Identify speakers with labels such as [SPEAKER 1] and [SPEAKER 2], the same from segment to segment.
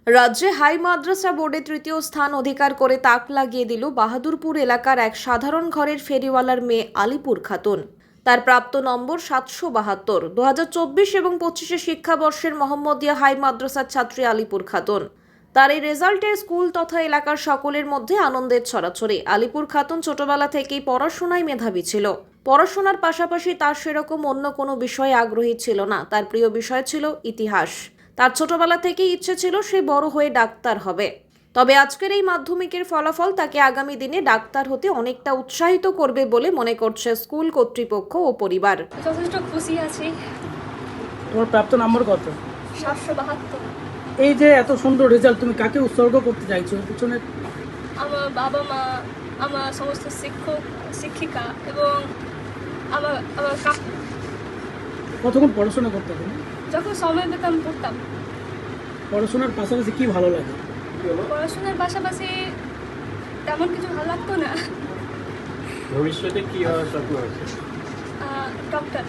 [SPEAKER 1] রাজ্যে হাই মাদ্রাসা বোর্ডে তৃতীয় স্থান অধিকার করে তাক লাগিয়ে দিল বাহাদুরপুর এলাকার এক সাধারণ ঘরের ফেরিওয়ালার মেয়ে আলিপুর খাতুন। তার প্রাপ্ত নম্বর 772। 2024 এবং 25 শিক্ষাবর্ষের মোহাম্মদিয়া হাই মাদ্রাসার ছাত্রী আলিপুর খাতুন। তার এই রেজাল্টে স্কুল তথা এলাকার সকলের মধ্যে আনন্দের ছড়াছড়ি। আলিপুর খাতুন ছোটবেলা থেকেই পড়াশোনায় মেধাবী ছিল। পড়াশোনার পাশাপাশি তার সেরকম অন্য কোনো বিষয়ে আগ্রহী ছিল না। তার প্রিয় বিষয় ছিল ইতিহাস। তার ছোটবেলা থেকেই ইচ্ছে ছিল সে বড় হয়ে ডাক্তার হবে। তবে আজকের এই মাধ্যমিকের ফলাফল তাকে আগামী দিনে ডাক্তার হতে অনেকটা উৎসাহিত করবে বলে মনে করছে স্কুল কর্তৃপক্ষ ও পরিবার।
[SPEAKER 2] যথেষ্ট খুশি আছি।
[SPEAKER 3] তোমার প্রাপ্ত নম্বর কত?
[SPEAKER 2] 772।
[SPEAKER 3] এই যে এত সুন্দর রেজাল্ট, তুমি কাকে উৎসর্গ করতে চাইছো? পিছনে
[SPEAKER 2] আমার বাবা মা, আমার সমস্ত শিক্ষক শিক্ষিকা এবং আমার আমার কাকু।
[SPEAKER 3] কতক্ষণ পড়াশোনা করতে তুমি?
[SPEAKER 2] যখন সময় পেতাম পড়তাম।
[SPEAKER 3] পড়াশোনার পাশাপাশি কি ভালো লাগে?
[SPEAKER 2] পড়াশোনার পাশাপাশি তেমন কিছু ভালো লাগতো না।
[SPEAKER 4] ভবিষ্যতে কি হওয়ার স্বপ্ন আছে?
[SPEAKER 2] ডক্টর।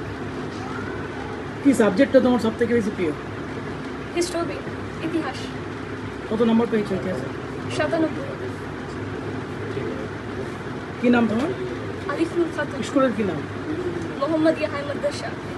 [SPEAKER 3] কি সাবজেক্টটা তোমার সব থেকে বেশি প্রিয়?
[SPEAKER 2] হিস্ট্রি, ইতিহাস।
[SPEAKER 3] কত নম্বর পেয়েছো ইতিহাসে?
[SPEAKER 2] 97।
[SPEAKER 3] কি নাম তোমার?
[SPEAKER 2] আলিপুর খাতুন,
[SPEAKER 3] স্কুলের কি নাম?
[SPEAKER 2] মোহাম্মদিয়া হাই মাদ্রাসা।